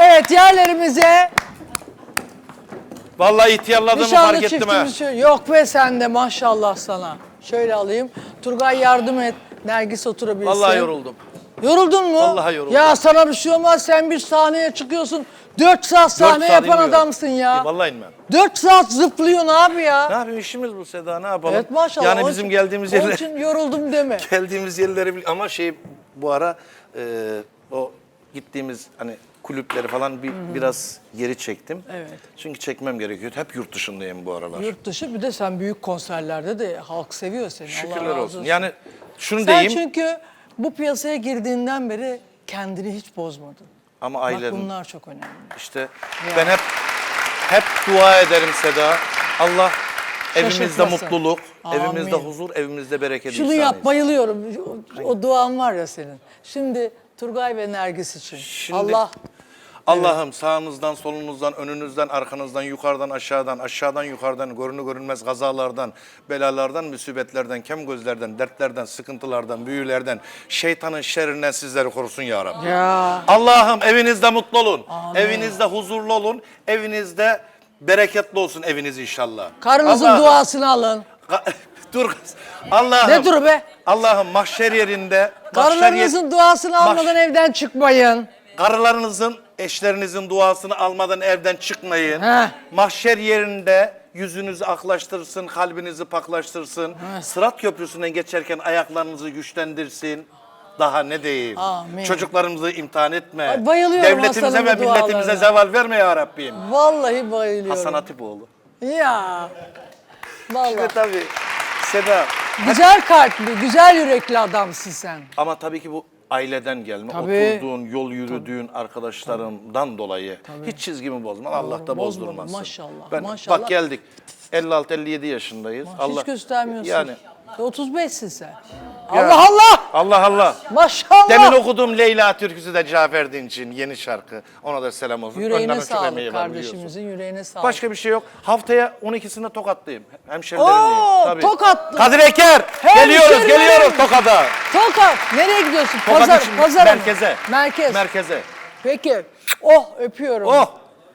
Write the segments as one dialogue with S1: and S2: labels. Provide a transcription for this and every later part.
S1: Evet, yerlerimize
S2: Vallahi ihtiyarladığımı
S1: nişanlı
S2: fark ettim ha.
S1: çiftimiz. Yok be sen de maşallah sana. Şöyle alayım. Turgay yardım et. Nergis oturabilsin.
S2: Vallahi yoruldum.
S1: Yoruldun mu?
S2: Vallahi yoruldum.
S1: Ya sana bir şey olmaz. Sen bir sahneye çıkıyorsun. 4 saat sahne
S2: 4 saat
S1: yapan
S2: inmiyorum.
S1: adamsın ya.
S2: Vallahi inmem.
S1: 4 saat zıplıyorsun abi ya.
S2: Ne yapayım, işimiz bu Seda, ne yapalım?
S1: Evet maşallah.
S2: Yani
S1: Onun
S2: bizim
S1: için-
S2: geldiğimiz
S1: Onun
S2: yerler...
S1: için yoruldum deme.
S2: Geldiğimiz yerleri ama bu ara o gittiğimiz hani kulüpleri falan biraz geri çektim.
S1: Evet.
S2: Çünkü çekmem gerekiyor. Hep yurt dışındayım bu aralar.
S1: Yurt dışı bir de sen büyük konserlerde de halk seviyor seni. Allah
S2: Şükürler
S1: razı
S2: olsun. Yani şunu
S1: Sen
S2: diyeyim
S1: çünkü bu piyasaya girdiğinden beri kendini hiç bozmadın.
S2: ama
S1: Bak
S2: ailem
S1: bunlar çok önemli.
S2: işte ben hep dua ederim Seda. Allah evimizde
S1: Şaşırtmasın.
S2: mutluluk,
S1: Amin.
S2: evimizde huzur, evimizde bereket
S1: Şunu
S2: ihsan
S1: yap,
S2: etsin.
S1: bayılıyorum. O duan var ya senin. Şimdi Turgay ve Nergis için.
S2: Şimdi- Allah'ım sağınızdan, solunuzdan, önünüzden, arkanızdan, yukarıdan, aşağıdan, yukarıdan, görünür görünmez kazalardan, belalardan, musibetlerden, kem gözlerden, dertlerden, sıkıntılardan, büyülerden, şeytanın şerrinden sizleri korusun ya Rabbi.
S1: Ya.
S2: Allah'ım evinizde mutlu olun,
S1: Amin.
S2: evinizde huzurlu olun, evinizde bereketli olsun eviniz inşallah.
S1: Karınızın
S2: Allah'ım-
S1: duasını alın.
S2: Dur kız. Allah'ım.
S1: Ne dur be?
S2: Allah'ım mahşer yerinde,
S1: Karılarınızın duasını almadan evden çıkmayın.
S2: karılarınızın, eşlerinizin duasını almadan evden çıkmayın.
S1: Heh.
S2: Mahşer yerinde yüzünüzü aklaştırsın, kalbinizi paklaştırsın. Sırat köprüsünden geçerken ayaklarınızı güçlendirsin. Daha ne diyeyim?
S1: Amin.
S2: Çocuklarımızı imtihan etme.
S1: Ay, bayılıyorum
S2: Devletimize
S1: Hasan'ın
S2: ve
S1: bu
S2: milletimize
S1: dualarına.
S2: zeval verme ya Rabbim.
S1: Vallahi bayılıyorum.
S2: Hasan Hatipoğlu.
S1: Ya. Vallahi.
S2: Ve tabii Seda.
S1: Güzel kalpli, güzel yürekli adamsın sen.
S2: Ama tabii ki bu aileden gelme.
S1: Tabii.
S2: Oturduğun, yol yürüdüğün arkadaşlarımdan dolayı hiç çizgimi bozmaz. Allah da
S1: bozmadım.
S2: bozdurmasın.
S1: Maşallah, maşallah.
S2: Bak geldik. 56-57 yaşındayız.
S1: Hiç göstermiyorsun.
S2: Yani
S1: 35'sin sen.
S2: Ya.
S1: Allah Allah!
S2: Allah Allah.
S1: Maşallah!
S2: Demin okuduğum Leyla türküsü de Cafer Dinç'in yeni şarkı. Ona da selam olsun. Önden
S1: Yüreğine
S2: çok
S1: sağlık
S2: emeği var biliyorsun.
S1: kardeşimizin, yüreğine sağlık.
S2: Başka bir şey yok. Haftaya 12'sinde Tokat'tayım. Hemşerilerimleyim.
S1: Oo,
S2: Tabii.
S1: Tokatlı.
S2: Kadir Eker.
S1: Hemşerilerim.
S2: Geliyoruz Tokat'a.
S1: Tokat! Nereye gidiyorsun?
S2: Tokat
S1: Pazar,
S2: için
S1: pazara mı?
S2: merkeze.
S1: Merkez.
S2: Merkeze.
S1: Peki. Oh öpüyorum.
S2: Oh.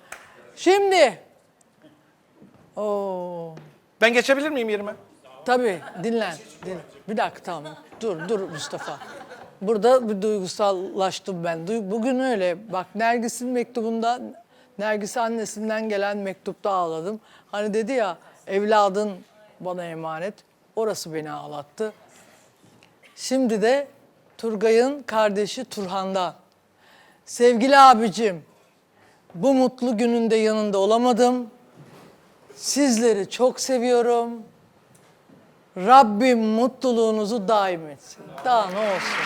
S1: Şimdi. Oo.
S2: Ben geçebilir miyim yerime?
S1: Tabii dinlen. Bir dakika tamam. Dur Mustafa. Burada bir duygusallaştım ben. Bugün öyle. Bak Nergis'in mektubunda, Nergis annesinden gelen mektupta ağladım. Hani dedi ya evladın bana emanet. Orası beni ağlattı. Şimdi de Turgay'ın kardeşi Turhan'dan. Sevgili abicim, bu mutlu gününde yanında olamadım. Sizleri çok seviyorum. Rabbim mutluluğunuzu daim etsin. Daha ne olsun.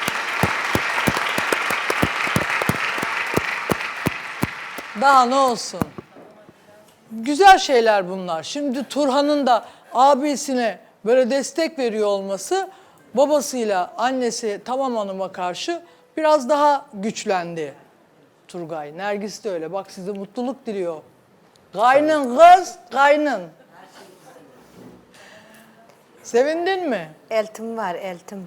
S1: Daha ne olsun. Güzel şeyler bunlar. Şimdi Turhan'ın da abisine böyle destek veriyor olması babasıyla annesi Tamam Hanım'a karşı biraz daha güçlendi Turgay. Nergis de öyle. Bak size mutluluk diliyor. Kaynın kız, kaynın. Sevindin mi?
S3: Eltim var, eltim.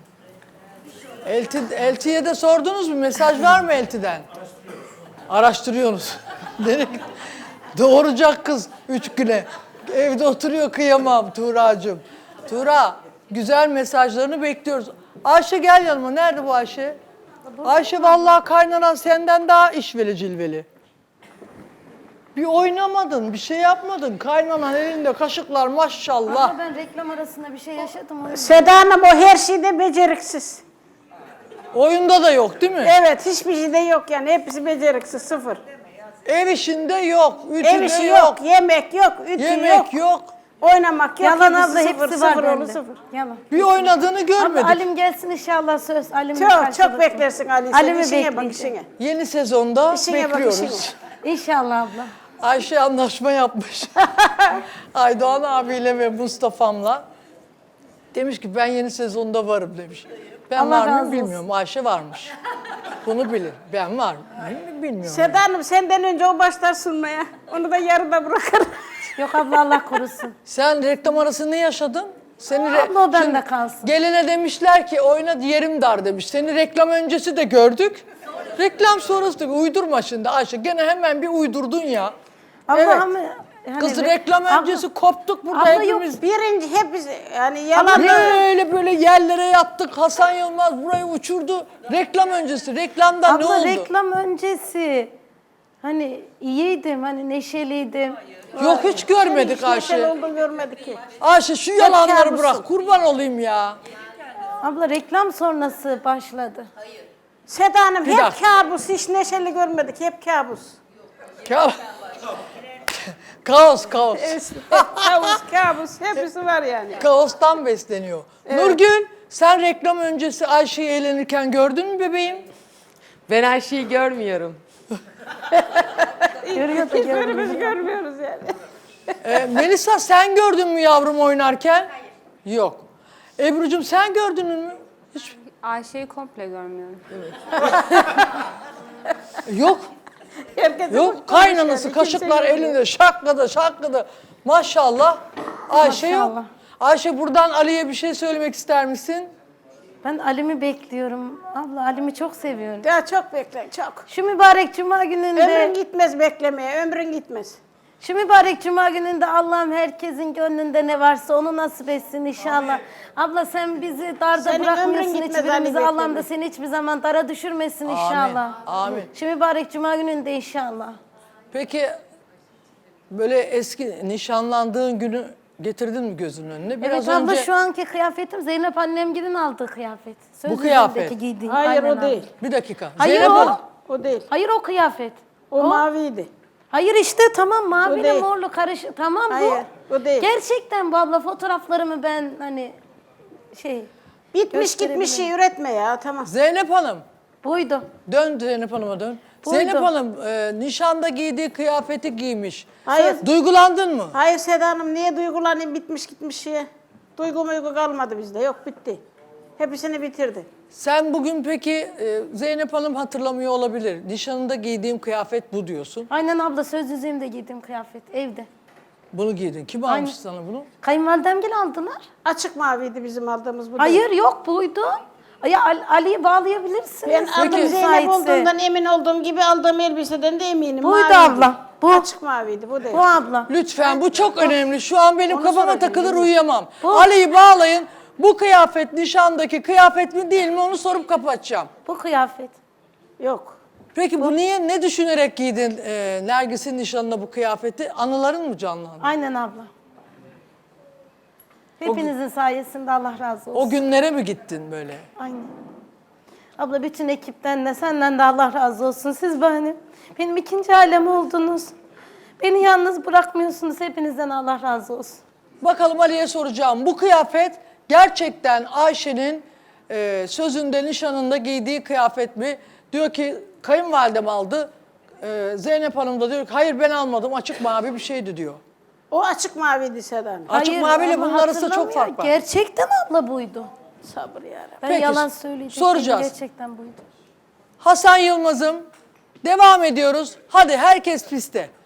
S1: Eltiye de sordunuz mu? Mesaj var mı Elti'den? Araştırıyorsunuz. Doğuracak kız 3 güne. Evde oturuyor kıyamam Tuğra'cığım. Tuğra güzel mesajlarını bekliyoruz. Ayşe gel yanıma. Nerede bu Ayşe? Ayşe vallahi kaynanan senden daha işveli cilveli. Bir oynamadın, bir şey yapmadın. Kaynanan elinde kaşıklar maşallah.
S4: Ama ben reklam arasında bir şey yaşadım. O
S3: Seda Hanım o her şeyde beceriksiz.
S1: Oyunda da yok değil mi?
S3: Evet hiçbir şeyde yok yani hepsi beceriksiz sıfır.
S1: Ev işinde yok, ütüde
S3: Ev işi yok, yemek yok, ütü
S1: yemek yok.
S3: oynamak yok.
S4: Yalan
S3: hepsi
S4: abla
S3: sıfır,
S4: hepsi var
S3: sıfır oğlu
S4: bende.
S3: sıfır.
S4: Yalan.
S1: Bir oynadığını görmedik.
S4: Abla Alim gelsin inşallah söz. Alim'le
S3: Çok
S4: karşılaşalım.
S3: beklersin Ali. Sen
S4: Alim'i
S3: işine bak
S4: bekleyeceğim.
S3: işine.
S1: Yeni sezonda
S3: İşine bak,
S1: bekliyoruz.
S3: işine.
S4: İnşallah abla.
S1: Ayşe anlaşma yapmış. Aydoğan abiyle ve Mustafa'mla. Demiş ki ben yeni sezonda varım demiş. Ben
S4: Allah
S1: var
S4: razı
S1: mıyım
S4: olsun.
S1: bilmiyorum. Ayşe varmış. Bunu bilir. Ben var mıyım bilmiyorum.
S3: Seda Hanım senden önce o başlar sunmaya. Onu da yarıda bırakır.
S4: Yok abla Allah korusun.
S1: Sen reklam arası ne yaşadın? Seni
S4: Abla o bende
S1: Şimdi
S4: kalsın.
S1: Geline demişler ki oyna yerim dar demiş. Seni reklam öncesi de gördük. Reklam sonrası tabii uydurma şimdi Ayşe. Gene hemen bir uydurdun ya.
S4: Abla
S1: Evet.
S4: ama yani
S1: Kız reklam öncesi koptuk burada
S4: abla yok,
S1: hepimiz.
S3: Birinci hepsi yani yalan.
S1: Böyle yerlere yattık. Hasan Yılmaz burayı uçurdu. Reklam öncesi. Reklamda ne
S4: abla
S1: oldu?
S4: reklam öncesi hani iyiydim, hani neşeliydim.
S1: Yok hiç görmedik
S3: Hiç neşeli
S1: Ayşe.
S3: olduğunu görmedik ki.
S1: Ayşe şu yalanları
S3: kabusun.
S1: bırak. Kurban olayım ya.
S4: Abla reklam sonrası başladı.
S3: Seda Hanım
S1: Bir
S3: hep
S1: dakika.
S3: kabus, hiç neşeli görmedik, hep kabus.
S1: Ka- kaos, kaos.
S3: kabus, hepsi var yani.
S1: Kaostan besleniyor. Nurgül, sen reklam öncesi Ayşe'yi eğlenirken gördün mü bebeğim?
S5: Ben Ayşe'yi görmüyorum.
S4: Görüyor da görmüyor.
S3: Hiçbirimiz görmüyoruz yani.
S1: Melisa sen gördün mü yavrum oynarken? Hayır. Yok. Ebru'cum sen gördün mü? Hiç.
S6: Ayşe'yi komple görmüyorum.
S1: Yok.
S3: Herkes
S1: Yok. Kaynanası kaşıklar elinde şakladı. Maşallah. Ayşe yok.
S4: Maşallah.
S1: Ayşe buradan Ali'ye bir şey söylemek ister misin?
S4: Ben Alim'i bekliyorum. Abla Alim'i çok seviyorum.
S3: Daha çok bekle, çok.
S4: Şu mübarek cuma gününde,
S3: Ömrün gitmez beklemeye, ömrün gitmez.
S4: şu mübarek cuma gününde Allah'ım herkesin gönlünde ne varsa onu nasip etsin inşallah. Abla sen bizi darda
S3: Senin
S4: bırakmıyorsun
S3: ömrün gitmez
S4: hiçbirimizi.
S3: Ali
S4: Allah'ım da
S3: bekleme.
S4: seni hiçbir zaman dara düşürmesin inşallah.
S1: Amin.
S4: Şu mübarek cuma gününde inşallah.
S1: Peki böyle eski nişanlandığın günü getirdin mi gözünün önüne? Biraz
S4: Evet abla
S1: önce
S4: şu anki kıyafetim Zeynep annemgilin aldığı kıyafet. Söz
S1: Bu kıyafet.
S4: yüzündeki giydiği.
S3: Hayır
S4: Aynen
S3: o
S4: abla.
S3: değil.
S1: bir dakika.
S4: Hayır
S1: Zeynep
S4: o.
S1: Hanım.
S3: O değil.
S4: Hayır o kıyafet.
S3: O maviydi.
S4: Hayır işte tamam maviyle
S3: değil.
S4: morlu karışık. Tamam bu.
S3: Hayır, o değil.
S4: Gerçekten bu abla fotoğraflarımı ben hani şey
S3: Bitmiş gitmiş şey üretme ya, tamam.
S1: Zeynep Hanım.
S4: buydu.
S1: Dön Zeynep Hanım'a dön.
S4: Buydu.
S1: Zeynep Hanım nişanda giydiği kıyafeti giymiş.
S3: Hayır.
S1: Duygulandın mı?
S3: Hayır Seda Hanım, niye duygulanayım bitmiş gitmiş şeye? Duygu muygu kalmadı bizde, yok bitti. Hepsini bitirdi.
S1: Sen bugün peki Zeynep Hanım hatırlamıyor olabilir. Nişanında giydiğim kıyafet bu diyorsun.
S4: Aynen abla söz yüzüğümde giydiğim kıyafet evde.
S1: Bunu giydin. Kim
S4: Aynen.
S1: almış sana bunu?
S4: Kayınvalidemgil aldılar.
S3: Açık maviydi bizim aldığımız bu. değil.
S4: Hayır yok buydu. Ya Ali'yi bağlayabilirsiniz.
S3: Ben adım
S1: Peki.
S3: Zeynep
S4: Müsaitse.
S3: olduğundan emin olduğum gibi aldığım elbiseden de eminim.
S4: Buydu
S3: maviydi.
S4: abla, bu.
S3: Açık maviydi, bu değil.
S4: Bu abla.
S1: Lütfen bu çok önemli. Şu an benim
S3: Onu
S1: kafama
S3: soracağım,
S1: takılır
S3: değil mi?
S1: uyuyamam.
S4: Bu.
S1: Ali'yi bağlayın. Bu kıyafet nişandaki kıyafet mi değil mi onu sorup kapatacağım.
S4: Bu kıyafet.
S3: Yok.
S1: Peki bu niye ne düşünerek giydin Nergis'in nişanına bu kıyafeti? Anıların mı canlandı?
S4: Aynen abla. Hepinizin sayesinde Allah razı olsun.
S1: O günlere mi gittin böyle?
S4: Aynen. Abla bütün ekipten de senden de Allah razı olsun. Siz benim ikinci ailem oldunuz. Beni yalnız bırakmıyorsunuz. Hepinizden Allah razı olsun.
S1: Bakalım Ali'ye soracağım. Bu kıyafet gerçekten Ayşe'nin sözünde, nişanında giydiği kıyafet mi? Diyor ki kayınvalidem aldı. Zeynep Hanım da diyor ki hayır ben almadım açık mavi bir şeydi diyor.
S3: O açık maviydi Seda Hanım.
S1: Açık maviyle
S4: ama
S1: bunun arasında çok
S4: hatırlamıyor.
S1: fark var.
S4: Gerçekten abla buydu.
S3: Sabır yarabbim.
S4: Ben
S1: Peki,
S4: yalan söyleyecektim.
S1: soracağız.
S4: Gerçekten buydu.
S1: Hasan Yılmaz'ım devam ediyoruz. Hadi herkes piste.